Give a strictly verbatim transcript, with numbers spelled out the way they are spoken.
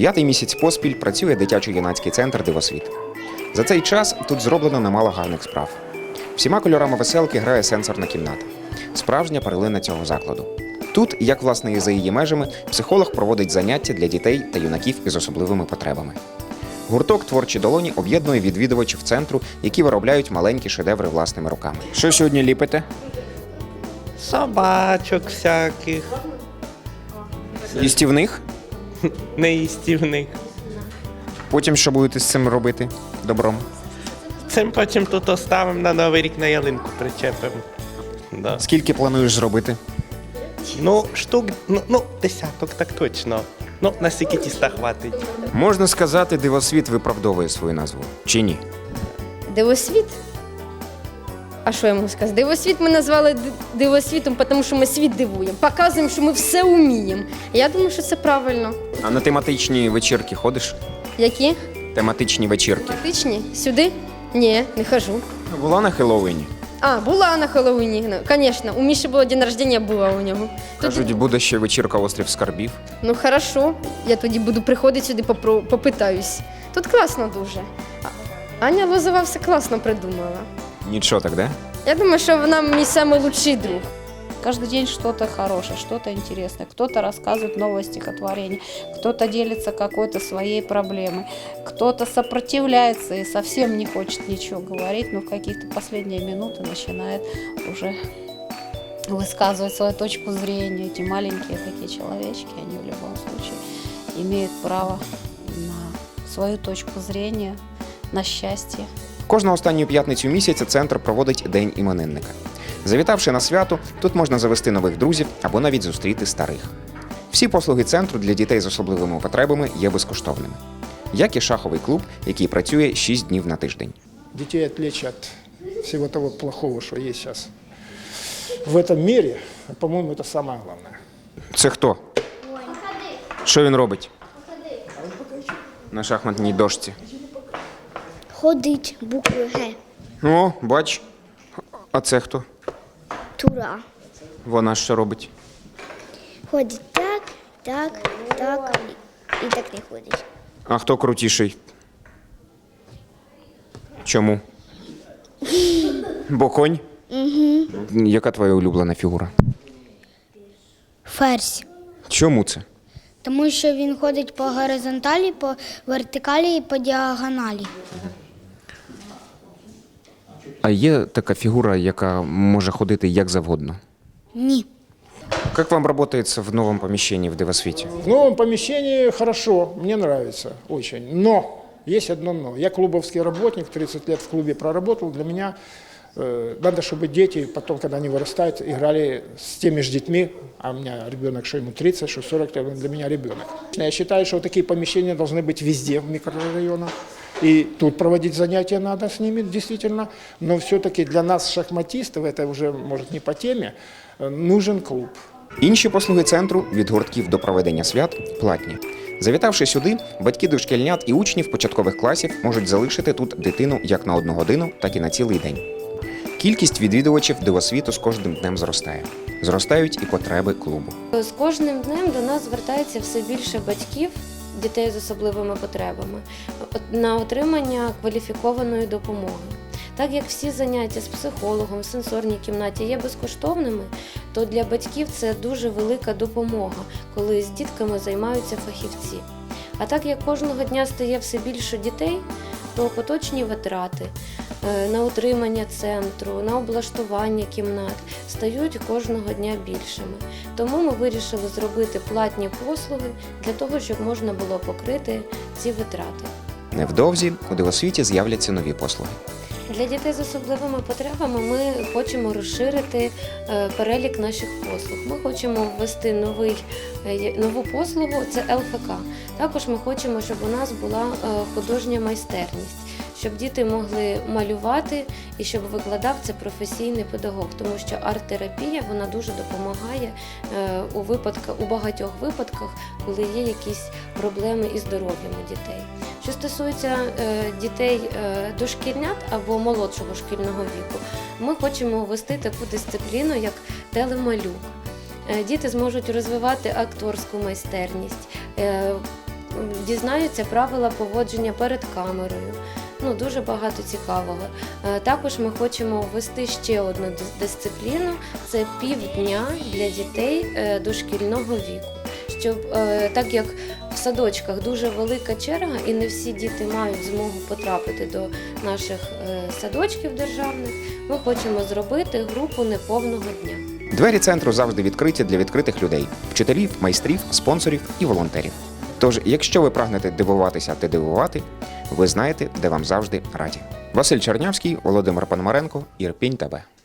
П'ятий місяць поспіль працює дитячо-юнацький центр «Дивосвіт». За цей час тут зроблено немало гарних справ. Всіма кольорами веселки грає сенсорна кімната. Справжня перлина цього закладу. Тут, як власне і за її межами, психолог проводить заняття для дітей та юнаків із особливими потребами. Гурток «Творчі долоні» об'єднує відвідувачів центру, які виробляють маленькі шедеври власними руками. Що сьогодні ліпите? Собачок всяких, Їстівних? неїстівних. Потім що будете з цим робити? Добром? Цим потім тут оставимо на Новий рік, на ялинку причепимо. Да. Скільки плануєш зробити? Ну, штук, ну, ну, десяток, так точно. Ну, на стільки тіста хватить. Можна сказати, «Дивосвіт» виправдовує свою назву. Чи ні? Дивосвіт? А що я можу сказати? Дивосвіт ми назвали ди- дивосвітом, тому що ми світ дивуємо, показуємо, що ми все вміємо. Я думаю, що це правильно. А на тематичні вечірки ходиш? Які? Тематичні вечірки. Тичні? Сюди? Ні, не хожу. Була на Хеллоуіні. А, була на Хеллоуіні, звісно. У Міші було день народження, була у нього. Тоді- Кажуть, буде ще вечірка «Острів скарбів». Ну, хорошо, я тоді буду приходити сюди, попро- попитаюсь. Тут класно дуже. А- Аня Лозова все класно придумала. Нічого так, да? Я думаю, що вона мій найкращий друг. Каждый день что-то хорошее, что-то интересное. Кто-то рассказывает новое стихотворение, кто-то делится какой-то своей проблемой, кто-то сопротивляется и совсем не хочет ничего говорить, но в каких-то последние минуты начинает уже высказывать свою точку зрения. Эти маленькие такие человечки, они в любом случае имеют право на свою точку зрения, на счастье. Кожну останню п'ятницю місяця центр проводить День іменинника. Завітавши на свято, тут можна завести нових друзів або навіть зустріти старих. Всі послуги центру для дітей з особливими потребами є безкоштовними. Як і шаховий клуб, який працює шість днів на тиждень. Детей отвлечь от всего того плохого, что есть сейчас в этом мире, по-моему, это самое главное. Це хто? Що він робить? На шахматній дошці. Ходить буквою Г. О, бач. А це хто? Тура. Вона що робить? Ходить так, так, так і, і так не ходить. А хто крутіший? Чому? Бо конь? Угу. Яка твоя улюблена фігура? Ферзь. Чому це? Тому що він ходить по горизонталі, по вертикалі і по діагоналі. А є така фігура, яка може ходити як завгодно? Ні. Как вам работается в новом помещении в Дивосвіті? В новом помещении хорошо, мне нравится очень. Но, есть одно но. Я клубовский работник, тридцать лет в клубе проработал. Для меня э, надо, чтобы дети потом, когда они вырастают, играли с теми же детьми. А у меня ребенок, что ему тридцать, что сорок, он для меня ребенок. Я считаю, что такие помещения должны быть везде в микрорайонах. И тут проводить занятия надо с ними, действительно. Но все-таки для нас, шахматистов, это уже, может, не по теме, э, нужен клуб. Інші послуги центру від гуртків до проведення свят платні. Завітавши сюди, батьки дошкільнят і учнів початкових класів можуть залишити тут дитину як на одну годину, так і на цілий день. Кількість відвідувачів Дивосвіту з кожним днем зростає. Зростають і потреби клубу. З кожним днем до нас звертається все більше батьків, дітей з особливими потребами, на отримання кваліфікованої допомоги. Так як всі заняття з психологом в сенсорній кімнаті є безкоштовними, то для батьків це дуже велика допомога, коли з дітками займаються фахівці. А так як кожного дня стає все більше дітей, то поточні витрати е, на утримання центру, на облаштування кімнат стають кожного дня більшими. Тому ми вирішили зробити платні послуги для того, щоб можна було покрити ці витрати. Невдовзі у Дивосвіті з'являться нові послуги. Для дітей з особливими потребами ми хочемо розширити е, перелік наших послуг. Ми хочемо ввести новий, е, нову послугу – це ел еф ка. Також ми хочемо, щоб у нас була е, художня майстерність, щоб діти могли малювати і щоб викладав це професійний педагог, тому що арт-терапія вона дуже допомагає е, у, випадках, у багатьох випадках, коли є якісь проблеми із здоров'ям у дітей. Що стосується е, дітей е, дошкільнят або молодшого шкільного віку, ми хочемо ввести таку дисципліну, як телемалюк. Е, діти зможуть розвивати акторську майстерність, е, дізнаються правила поводження перед камерою. Ну, дуже багато цікавого. Е, Також ми хочемо ввести ще одну дис- дисципліну – це півдня для дітей е, дошкільного віку. Щоб, е, так як в садочках дуже велика черга і не всі діти мають змогу потрапити до наших е, садочків державних, ми хочемо зробити групу неповного дня. Двері центру завжди відкриті для відкритих людей – вчителів, майстрів, спонсорів і волонтерів. Тож, якщо ви прагнете дивуватися та дивувати, ви знаєте, де вам завжди раді. Василь Чернявський, Володимир Пономаренко, Ірпінь ТВ.